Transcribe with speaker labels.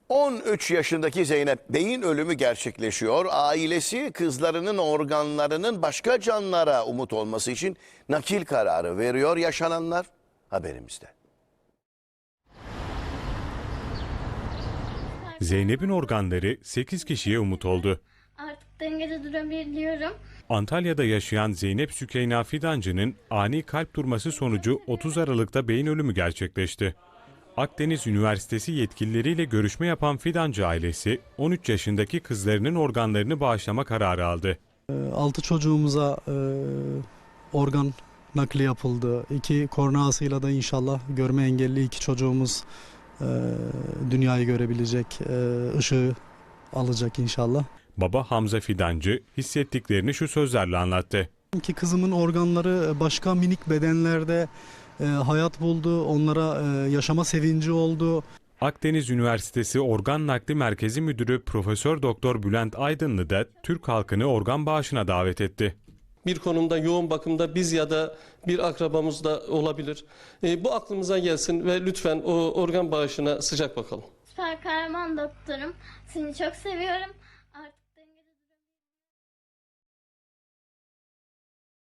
Speaker 1: 13 yaşındaki Zeynep beyin ölümü gerçekleşiyor. Ailesi kızlarının organlarının başka canlılara umut olması için nakil kararı veriyor. Yaşananlar haberimizde.
Speaker 2: Zeynep'in organları 8 kişiye umut oldu.
Speaker 3: Artık dengede durabiliyorum.
Speaker 2: Antalya'da yaşayan Zeynep Sükeyna Fidancı'nın ani kalp durması sonucu 30 Aralık'ta beyin ölümü gerçekleşti. Akdeniz Üniversitesi yetkilileriyle görüşme yapan Fidancı ailesi 13 yaşındaki kızlarının organlarını bağışlama kararı aldı.
Speaker 4: 6 çocuğumuza organ nakli yapıldı. 2 korneasıyla da inşallah görme engelli 2 çocuğumuz dünyayı görebilecek, ışığı alacak inşallah.
Speaker 2: Baba Hamza Fidancı hissettiklerini şu sözlerle anlattı.
Speaker 4: Ki kızımın organları başka minik bedenlerde hayat buldu, onlara yaşama sevinci oldu.
Speaker 2: Akdeniz Üniversitesi Organ Nakli Merkezi Müdürü Profesör Doktor Bülent Aydınlı da Türk halkını organ bağışına davet etti.
Speaker 5: Bir konumda yoğun bakımda biz ya da bir akrabamız da olabilir. Bu aklımıza gelsin ve lütfen o organ bağışına sıcak bakalım.
Speaker 3: Süper kahraman doktorum. Seni çok seviyorum. Artık